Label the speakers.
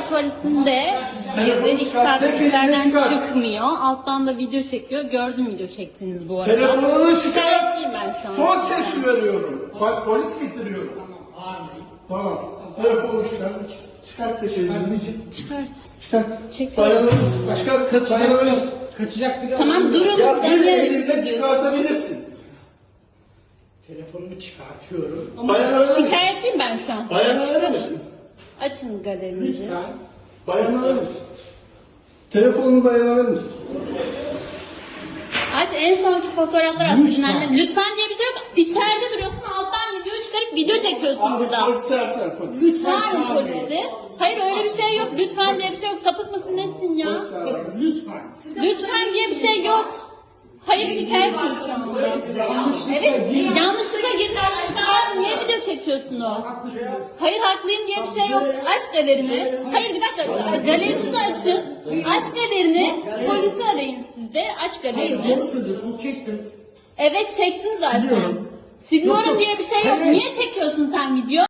Speaker 1: tuvaletinde girdi. 2 saattir içlerden çıkmıyor. Alttan da video çekiyor. Gördüm video çektiğiniz bu arada.
Speaker 2: Telefonunu çıkar.
Speaker 1: Şikayetçiyim ben şu an.
Speaker 2: Son kez veriyorum. Bak polis getiriyorum. Tamam. Telefonu çıkar. Çıkart teşebbüsünü.
Speaker 1: Çıkart.
Speaker 2: Çıkart.
Speaker 1: Çek.
Speaker 2: Dayanır mısın? Çıkart. Dayanır mısın?
Speaker 3: Kaçacak bir
Speaker 1: Tamam durun.
Speaker 2: Ya bir
Speaker 1: Devre.
Speaker 2: elinde çıkartabilirsin.
Speaker 3: Telefonumu çıkartıyorum.
Speaker 2: Dayanır mısın?
Speaker 1: Şikayetçiyim ben şu an.
Speaker 2: Dayanır mısın?
Speaker 1: Açın galerinizi.
Speaker 3: Lütfen.
Speaker 2: Dayanır mısın? Telefonunu dayanır mısın?
Speaker 1: Aç en sonki fotoğraflar aslında.
Speaker 3: Lütfen.
Speaker 1: Lütfen diye bir şey yok. İçeride duruyorsun alttan video çıkarıp video çekiyorsun
Speaker 2: Abi
Speaker 1: burada.
Speaker 2: polis çağırsana polis.
Speaker 3: Lütfen
Speaker 1: Çağırın
Speaker 3: çağırmayın.
Speaker 1: polisi. Hayır öyle bir şey yok. Lütfen diye bir şey yok. Sapık mısın nesin ya?
Speaker 2: Polis çağır.
Speaker 3: Bakın lütfen.
Speaker 1: Lütfen diye bir şey yok. Hayır şikayet şu anda. Evet yanlışlıkla girdi. Yanlışlıkla niye video çekiyorsunuz?
Speaker 3: Haklısınız.
Speaker 1: Hayır haklıyım diye bir şey yok. Aç galerini. Hayır bir dakika. Galerinizi de açın. Aç galerini. Polisi arayın siz de. Aç
Speaker 3: Hayır
Speaker 1: galerini.
Speaker 3: doğru söylüyorsunuz. Çektim.
Speaker 1: Evet çektin zaten.
Speaker 3: Siliyorum.
Speaker 1: Siliyorum
Speaker 3: Yok,
Speaker 1: diye bir şey yok.
Speaker 3: hayır.
Speaker 1: Niye çekiyorsun sen video?